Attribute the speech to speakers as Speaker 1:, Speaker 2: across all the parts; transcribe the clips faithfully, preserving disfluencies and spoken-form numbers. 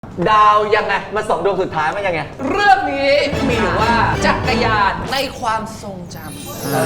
Speaker 1: ดาวยังไงมาสองดวงสุดท้ายมันยังไง
Speaker 2: เรื่องนี้มีอยู่ว่าจักรยานในความทรงจำ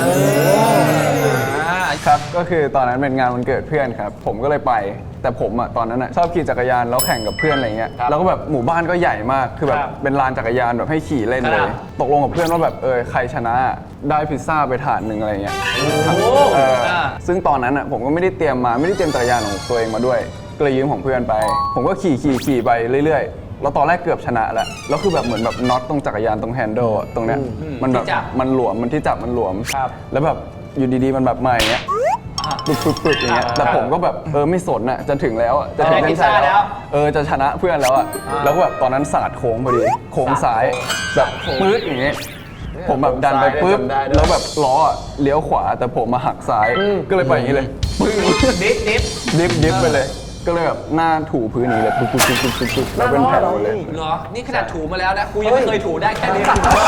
Speaker 3: ครับก็คือตอนนั้นเป็นงานวันเกิดเพื่อนครับผมก็เลยไปแต่ผมอ่ะตอนนั้นอ่ะชอบขี่จักรยานแล้วแข่งกับเพื่อนอะไรเงี้ยแล้วก็แบบหมู่บ้านก็ใหญ่มากคือแบบเป็นลานจักรยานแบบให้ขี่เล่นเลยตกลงกับเพื่อนว่าแบบเออใครชนะได้พิซซ่าไปถาดหนึ่งอะไรเงี้ยซึ่งตอนนั้นอ่ะผมก็ไม่ได้เตรียมมาไม่ได้เตรียมจักรยานของตัวเองมาด้วยก็เลยยืมของเพื่อนไปผมก็ขี่ขี่ขี่ไปเรื่อยๆแล้วตอนแรกเกือบชนะแล้วแล้วคือแบบเหมือนแบบน็อตตรงจักรยานตรงแฮนเดิลตรงเนี้ยมันแบบมันหลวมมันที่จับมันหลวมแล้วแบบอยู่ดีๆมันแบบมาอย่างเงี้ยปึ๊บปึ๊บปึ๊บอย่างเงี้ยแต่ผมก็แบบเออไม่สนอ่ะจะถึงแล้วจะถึงเส้นชัยแล้วเออจะชนะเพื่อนแล้วอ่ะแล้วก็แบบตอนนั้นสาดโค้งพอดีโค้งซ้ายแบบปื๊ดอย่างเงี้ยผมแบบดันไปปึ๊บแล้วแบบล้อเลี้ยวขวาแต่ผมมาหักซ้ายก็เลยไปอย่างนี้เลยปึ้ง
Speaker 2: ดิฟดิฟ
Speaker 3: ดิฟดิฟไปเลยก็เลยแบบหน้าถูพื้นนี้เลยปุ๊บปุ๊บปุ๊บปุ๊บปุ๊บแล้วเป็นแผลเลย
Speaker 2: เหรอนี่ขนาดถูมาแล้วนะกูยังไม่เคยถูได้แค่นี้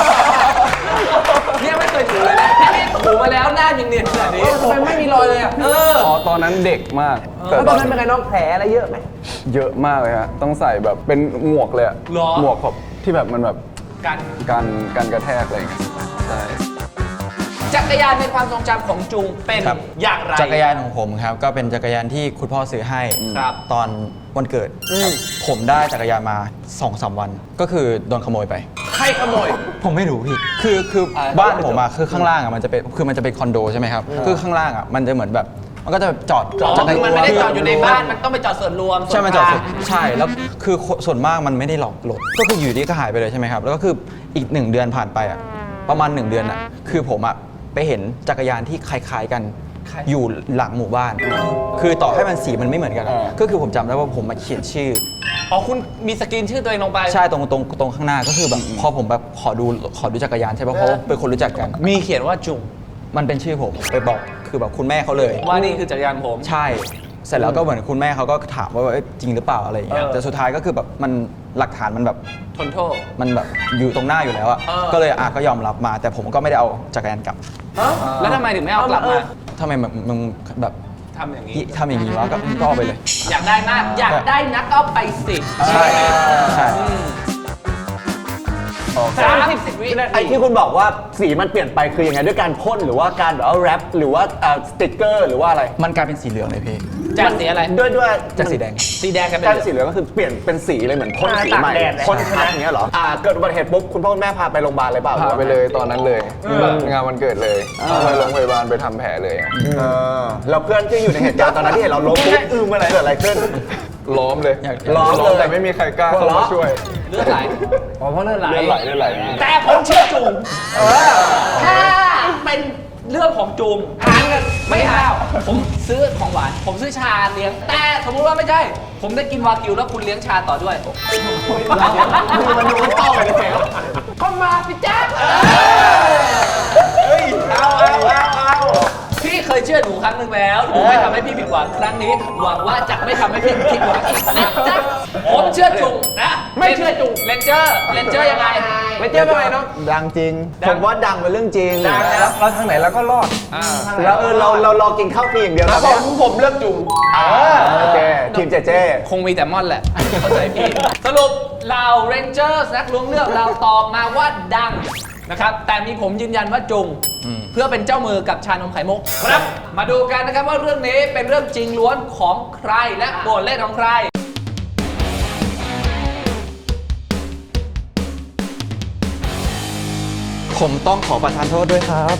Speaker 2: เนี่ยไม่เคยถูเลยนะแค่นี้ถูมาแล้วหน้ายังเนียนขนาดนี้ทำไมไม่มีรอยเลยอ่ะเออ
Speaker 3: อ๋อตอนนั้นเด็กมาก
Speaker 1: แต่ตอนนั้นเป็นไงน้องแผลอะไรเยอะไหม
Speaker 3: เยอะมากเลยฮะต้องใส่แบบเป็นหมวกเลยหมวกแบบที่แบบมันแบบ
Speaker 2: กัน
Speaker 3: กันกันกระแทกอะไรอย่างเงี้ยใช่
Speaker 2: จักรยานในความทรงจำของจุงเป็นอย่างไร
Speaker 4: จักรยานของผมครับก็เป็นจักรยานที่คุณพ่อซื้อให้ตอนวันเกิดผมได้จักรยานมา สองสาม วันก็คือโดนขโมยไป
Speaker 2: ใครขโมย
Speaker 4: ผมไม่รู้พี่คือคือบ้านผมอะคือข้างล่างอะมันจะเป็นคือมันจะเป็นคอนโดใช่ไหมครับคือข้างล่างอะมันจะเหมือนแบบมันก็จะจอด
Speaker 2: จอดมันไม่ได้จอดอยู่ในบ้านมันต้องไปจอดส่วนรวม
Speaker 4: ใช่มันจอดใช่แล้วคือส่วนมากมันไม่ได้ล็อกรถก็คืออยู่ดีก็หายไปเลยใช่ไหมครับแล้วก็คืออีกหนึ่งเดือนผ่านไปอะประมาณหนึ่งเดือนอะคือผมอะไปเห็นจักรยานที่คล้ายๆกันอยู่หลังหมู่บ้านคือต่อให้มันสีมันไม่เหมือนกันก็คือผมจำได้ว่าผมมาเขียนชื่อ
Speaker 2: อ๋อคุณมีสกรีนชื่อตัวเองลงไป
Speaker 4: ใช่ตรงตรงตรงข้างหน้าก็คือแบบพอผมแบบขอดูขอดูจักรยานใช่ป่ะเพราะเป็นคนรู้จักกัน
Speaker 2: มีเขียนว่าจุง
Speaker 4: มันเป็นชื่อผมไปบอกคือแบบคุณแม่เขาเลย
Speaker 2: ว่านี่คือจักรยานผม
Speaker 4: ใช่เสร็จแล้วก็เหมือนคุณแม่เขาก็ถามว่าจริงหรือเปล่าอะไรอย่างเงี้ยแต่สุดท้ายก็คือแบบมันหลักฐานมันแบบ
Speaker 2: ทนโทษ
Speaker 4: มันแบบอยู่ตรงหน้าอยู่แล้วอะก็เลยอ่ะก็ยอมรับมาแต่ผมก็ไม่ได้เอาจักรยานกลับ
Speaker 2: แล้วทำไมถึงไม่เอากลับมา
Speaker 4: ทำไมมึงแบบ
Speaker 2: ทำอย่างนี้
Speaker 4: ทำอย่างนี้วะก็ก็เอาไปเลย
Speaker 2: อยากได้มากอยากได้นักก็ไปสิ
Speaker 4: ใช่ใช่
Speaker 2: สามสิบวิ
Speaker 1: ไอ้ที่คุณบอกว่าสีมันเปลี่ยนไปคือยังไงด้วยการพ่นหรือว่าการแบบว่าแรปหรือว่าสติ๊กเกอร์หรือว่าอะไร
Speaker 4: มันกลายเป็นสีเหลืองเลยพี่
Speaker 2: จากสีอะไร
Speaker 1: ด้วยด้วย
Speaker 4: จากสีแดง
Speaker 2: สีแดงกันเป็น
Speaker 1: สีเหลืองก็คือเปลี่ยนเป็นสีเลยเหมือนพ่นสีใหม่พ่นทับอย่างเงี้ยเหรออ่าเกิดอุบัติเหตุปุ๊บคุณพ่อคุณแม่พาไปโรงพยาบาลเลยเปล่า
Speaker 3: พาไปเลยตอนนั้นเลยงานวันเกิดเลยไปโรงพยาบาลไปทำแผลเลย
Speaker 1: แล้วเพื่อนที่อยู่ในเหตุการณ์ตอนนั้นที่เห็นเราล้มปุ๊บอืมอะไรเกิดอะไรขึ้น
Speaker 3: ล้อมเลย
Speaker 1: ล้อมเลย
Speaker 3: แต่ไม่มีใครกล้าเข้ามาช่วย
Speaker 2: เลือดไหล
Speaker 1: อ๋อเพราะเลือดไหล
Speaker 3: เลือดไหลเลือดไหล
Speaker 2: แต่ผมเชื่อจุงถ้าเป็นเรื่องของจุงหารกันไม่หาวผมซื้อของหวานผมซื้อชาเลี้ยงแต่สมมุติว่าไม่ใช่ผมได้กินวากิวแล้วคุณเลี้ยงชาต่อด้วย
Speaker 1: มันดูมันเต้าเลยเนี่ย
Speaker 2: ก็มาสิจ๊ะเอาเอาเอาเอาพี่เคยเชื่อหนูครั้งหนึ่งแล้วหนูไม่ทำให้พี่ผิดหวังครั้งนี้หวังว่าจะไม่ทำให้พี่ผิดหวังอีกนะจ๊ะผมเชื่อจุงนะไม่เชื่อจุงเลนเจอร์เลนเจอร์ยังไง
Speaker 1: เลนเจอร์เป็นไงเนาะดังจริงผมว่าดังเป็นเรื่องจริง
Speaker 2: แล้ว
Speaker 1: เราทางไหนเราก็รอดแล้วเออเราเรารอกินข้าวฟรีอย่างเดียวนะ
Speaker 2: ผมผมเลือกจุง
Speaker 1: โอเคทีมเจเจ
Speaker 2: คงมีแต่ม่อนแหละเข้าใจพี่สรุปเราเรนเจอร์นักล้วงเลือกเราตอบมาว่าดังนะครับแต่มีผมยืนยันว่าจุงเพื่อเป็นเจ้ามือกับชานมไข่มุกครับมาดูกันนะครับว่าเรื่องนี้เป็นเรื่องจริงล้วนของใครและบทเล่นของใคร
Speaker 4: ผมต้องขอประทานโทษด้วยครับ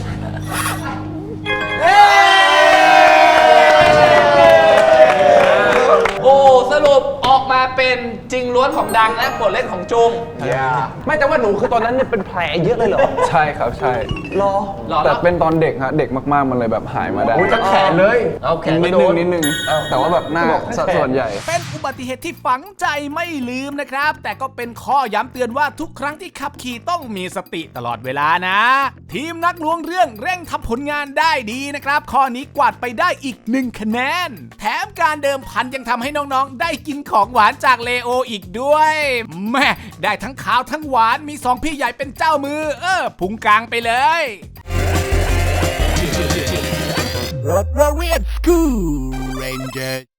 Speaker 2: โอ้สรุปออกมาเป็นจริงล้วนของดังและบทเล่นของจุง
Speaker 1: ไม่แต่ว่าหนูคือตอนนั้นเนี่ยเป็นแผลเยอะเลยเหรอ
Speaker 3: ใช่ครับใช่
Speaker 1: รอ
Speaker 3: แต่เป็นตอนเด็กฮะเด็กมากๆมันเลยแบบหายมาได้
Speaker 1: โอ้ยจะแขนเลย
Speaker 3: เอาแขนนิดนึงนิดนึงแต่ว่าแบบหน้าส่วนใหญ่
Speaker 5: เป็นอุบัติเหตุที่ฝังใจไม่ลืมนะครับแต่ก็เป็นข้อย้ำเตือนว่าทุกครั้งที่ขับขี่ต้องมีสติตลอดเวลานะทีมนักล้วงเรื่องเร่งทำผลงานได้ดีนะครับข้อนี้กวาดไปได้อีกหนึ่งคะแนนแถมการเดิมพันยังทำให้น้องๆได้กินของหวานจากเลโออีกด้วยแม่ได้ทั้งขาวทั้งหวานมีสองพี่ใหญ่เป็นเจ้ามือเออพุงกลางไปเลยรถเรียนกูเรนเจอร์